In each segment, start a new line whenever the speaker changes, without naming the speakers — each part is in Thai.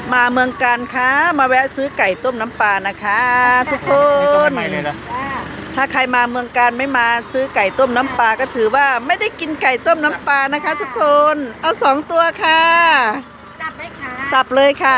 มาเมืองการค่ะมาแวะซื้อไก่ต้มน้ำปลานะคะทุกคน
ใหม่เลยนะ
ถ้าใครมาเมืองการไม่มาซื้อไก่ต้มน้ำปลาก็ถือว่าไม่ได้กินไก่ต้มน้ำปลานะคะ ทุกคนเอา2 ตัวค่ะ
จับไหมคะ
สับเลยค่ะ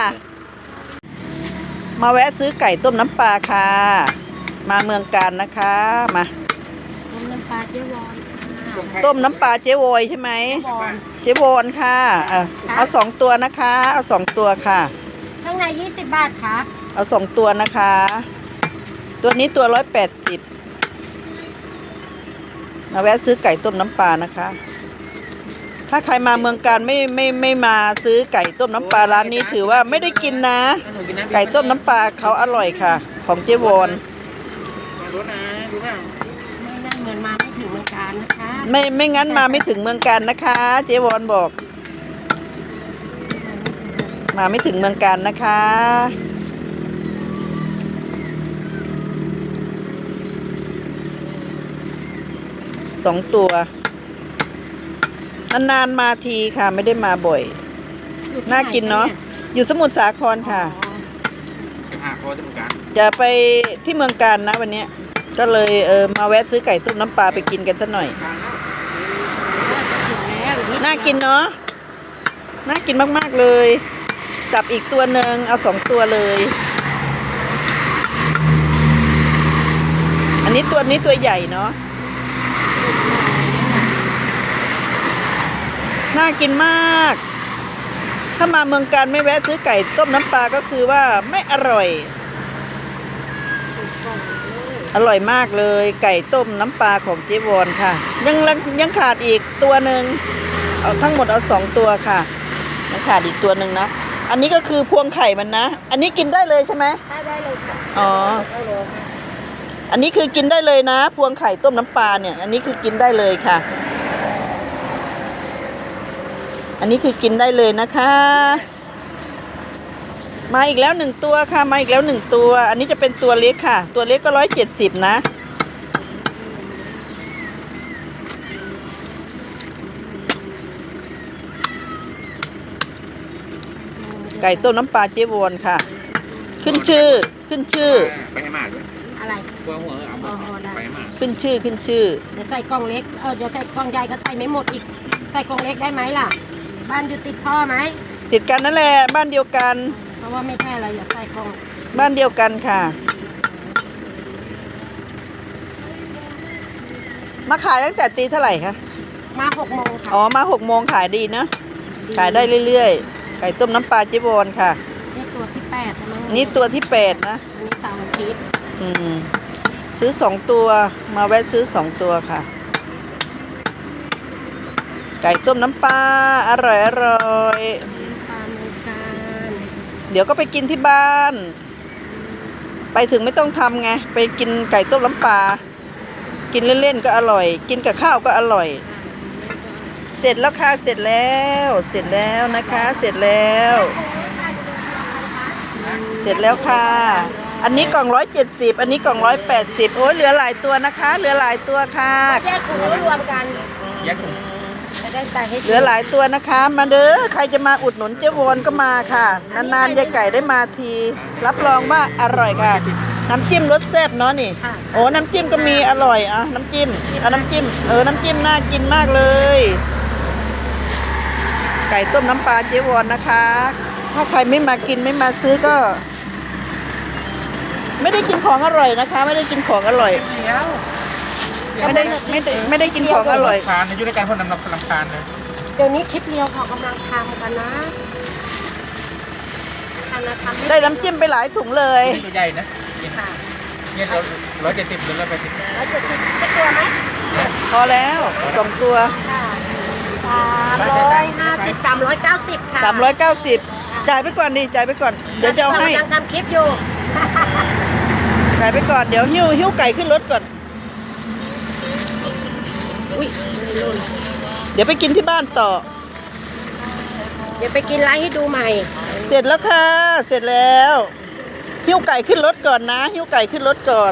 มาแวะซื้อไก่ต้มน้ำปลาค่ะ มาเมืองการนะคะมา
ต้มน้ำปลาเจ๊วอนค่ะ
ต้มน้ำปลาเจ๊วอยใช่ไหม
เจ๊วอน
เจ๊วอนค่ะเอา2 ตัวนะคะเอา2 ตัวค่ะ
ข้างใน20 บาทครับ
เอา2 ตัวนะคะ ตัวนี้ตัว180มาแวะซื้อไก่ต้มน้ำปลานะคะ ถ้าใครมาเมืองการไม่มาซื้อไก่ต้มน้ำปลาร้านนี้ถือว่าไม่ได้กินนะ ไก่ต้มน้ำปลาเขาอร่อยค่ะ ของเจ๊วอน
รู้นะรู้เปล่า
ไม่น่าเหมือนมาไม่ถึงเมืองการนะคะ
ไม่งั้นมาไม่ถึงเมืองการนะคะ เจ๊วอนบอก มาไม่ถึงเมืองการนะคะ2 ตัวนานๆมาทีค่ะ ไม่ได้มาบ่อย
อยู่ที่
น่ากินเนาะอยู่สมุทรสาคร
ไหน
ค่ะ
อ๋อ
โคตรเหมือนกัน
จะไปที่เมืองการนะวันเนี้ยก็เลยมาแวะซื้อไก่ต้มน้ำปลาไปกินกันสักหน่อย น่ากินเนาะน่ากินมากๆเลยจับอีกตัวหนึ่งเอา2 ตัวเลย อันนี้ตัวใหญ่เนาะน่ากินมาก ถ้ามาเมืองการไม่แวะซื้อไก่ต้มน้ำปลาก็คือว่าไม่อร่อย อร่อยมากเลยไก่ต้มน้ำปลาของเจ๊วอนค่ะยังขาดอีกตัวหนึ่งเอาทั้งหมดเอา2 ตัวค่ะยังขาดอีกตัวหนึ่งนะอันนี้ก็คือพวงไข่มันนะอันนี้กินได้เลยใช่ไหม
ได้เลยค่ะ
อ๋ออันนี้คือกินได้เลยนะพวงไข่ต้มน้ำปลาเนี่ยอันนี้คือกินได้เลยค่ะ อันนี้คือกินได้เลยนะคะมาอีกแล้ว1 ตัวค่ะมาอีกแล้ว1 ตัวอันนี้จะเป็นตัวเล็กค่ะตัวเล็กก็170นะไก่ต้มน้ำปลาเจ๊วอนค่ะขึ้นชื่อ
ไปให้มาด้วย
อะไร
กลัวหัวเอาไปให้มา
ขึ้นชื่อ
เดี๋ยวใส่กล่องเล็กเดี๋ยวใส่กล่องใหญ่ก็ใส่ไม่หมดอีกใส่กล่องเล็กได้ไหมล่ะบ้านอยู่ติดพ่อไหม
ติดกันนั่นแหละบ้านเดียวกัน
เพราะว่าไม่ใช่อะไรอย่าใส่กล่อง
บ้านเดียวกันค่ะมาขายตั้งแต่ตีเท่าไหร่คะ
มา6 โมงค่ะ
อ๋อมา6 โมงขายดีนะขายได้เรื่อยๆไก่ต้มน้ำปลาเจ๊วอนค่ะ
นี่ตัวที่8นะมั้ง
นี่ตัวที่8นะ
อันนี้เสาร์อาทิตย์
ซื้อ2 ตัวมาแวะซื้อ2 ตัวค่ะ ไก่ต้มน้ำปลาอร่อย
ปลาเมืองการ
เดี๋ยวก็ไปกินที่บ้าน ไปถึงไม่ต้องทำไงไปกินไก่ต้มน้ำปลากินเล่นๆก็อร่อย กินกับข้าวก็อร่อย เสร็จแล้วค่ะเสร็จแล้วนะคะเสร็จแล้วค่ะ อันนี้กล่อง170อันนี้กล่อง180โอ้ยเหลือหลายตัวนะคะเหลือหลายตัวค่ะ
แยกถุงไม่รวมกัน
แยกถุง
จะได้ใส่ให้
เหลือหลายตัวนะคะมาเด้อใครจะมาอุดหนุนเจ๊วอนก็มาค่ะนานๆยายไก่ได้มาทีรับรองว่าอร่อยค่ะน้ำจิ้มรสแซ่บเนาะนี่โอ้น้ำจิ้มก็มีอร่อยอ่ะน้ำจิ้มเอาน้ำจิ้มน้ำจิ้มน่ากินมากเลยไก่ต้มน้ำปลาเจ๊วอนนะคะถ้าใครไม่มากินไม่มาซื้อก็ ไม่ได้กินของอร่อยนะคะ ไม่ได้กินของอร่อย ไม่ได้กินของอร่อย
ทานอยู่ในการพ่นน้ำทานเลย
เดี๋ยวนี้คลิปเรียวเขากำลังทำกันนะ
ได้น้ำจิ้มไปหลายถุงเลย
ตัวใหญ่นะ
ค่ะ
เนี่ย170หรือ180
170จะตัวไหม
พอแล้ว2 ตัว
ค่ะ350 390ค่ะ
390จ่ายไปก่อนดิจ่ายไปก่อนเดี๋ยวจะเอาให้
กำลังทำคลิปอยู่
จ่ายไปก่อนเดี๋ยวหิ้วไก่ขึ้นรถก่อน
อุ้ยไม่รุ่น
เดี๋ยวไปกินที่บ้านต่อ
เดี๋ยวไปกินไลฟ์ให้ดูใหม่
เสร็จแล้วค่ะเสร็จแล้วหิ้วไก่ขึ้นรถก่อนนะหิ้วไก่ขึ้นรถก่อน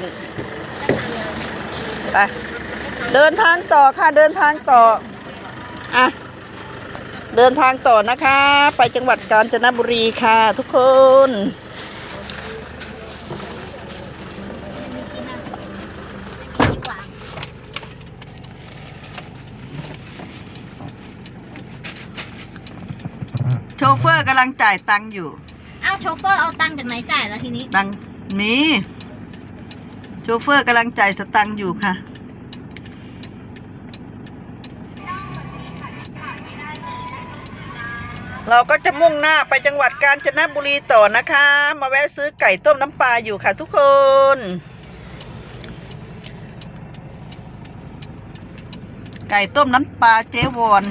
ไปเดินทางต่อค่ะเดินทางต่ออ่ะเดินทางต่อนะคะ ไปจังหวัดกาญจนบุรีค่ะทุกคน
ดีกว่า
โชเฟอร์กำลังจ่ายตังค์อยู่
เอาโชเฟอร์เอาตังค์จากไหนจ่ายแล้วทีนี้
ตังค์มีโชเฟอร์กำลังจ่ายสตังค์อยู่ค่ะ เราก็จะมุ่งหน้าไปจังหวัดกาญจนบุรีต่อนะคะ มาแวะซื้อไก่ต้มน้ำปลาอยู่ค่ะทุกคน ไก่ต้มน้ำปลาเจ๊วอน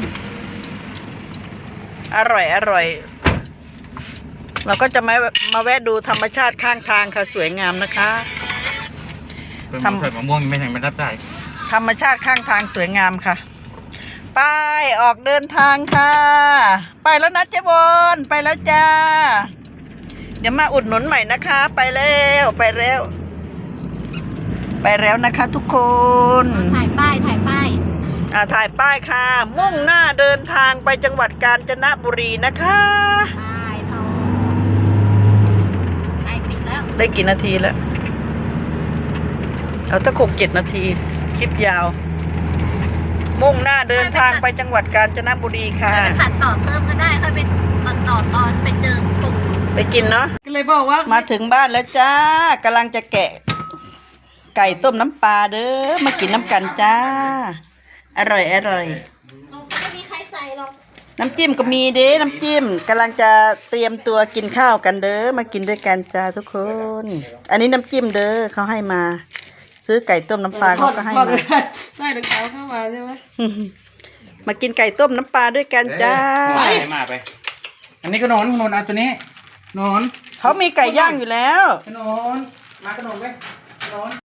อร่อยอร่อย เราก็จะมาแวะดูธรรมชาติข้างทางค่ะสวยงามนะคะ
เป็นมะเขือมะม่วงไม่ถึงไม่รับได้
ธรรมชาติข้างทางสวยงามค่ะ ไปออกเดินทางค่ะ ไปแล้วนะเจ๊บนไปแล้วจ้า เดี๋ยวมาอุดหนุนใหม่นะคะ ไปแล้วไปแล้วนะคะทุกคน
ถ่ายป้าย
ถ่ายป้ายค่ะ มุ่งหน้าเดินทางไปจังหวัดกาญจนบุรีนะคะ
ป้ายเขาป้ายปิดแล้ว
ได้กี่นาทีแล้วเอาถ้า6-7 นาทีคลิปยาว มุ่งหน้าเดินทางไปจังหวัดกาญจนบุรีค่ะ
ไปตัดต่อเพิ่มก็ได้ค่อยไปตัดต่อตอนไปเจอปุ่ม
ไปกินเนาะ
ก็เลยบอกว่า
มาถึงบ้านแล้วจ้ากำลังจะแกะ ไก่ต้มน้ำปลาเด้อมากินน้ำกันจ้า อร่อยอร่อย
ไม่มีใครใส่หรอก
น้ำจิ้มก็มีเด้น้ำจิ้มกำลังจะเตรียมตัวกินข้าวกันเด้อมากินด้วยกันจ้าทุกคน อันนี้น้ำจิ้มเด้อเขาให้มา ซื้อไก่ต้มน้ำปลาเขาก็ให้มา
ได้ถึงเขาเข้ามาใช่ไหม
มากินไก่ต้มน้ำปลาด้วยกันจ้า
ไปมาไป อันนี้ขนมเอาตัวนี้นอน
เขามีไก่ย่างอยู่แล้ว
ขนมมากระนมไปขนม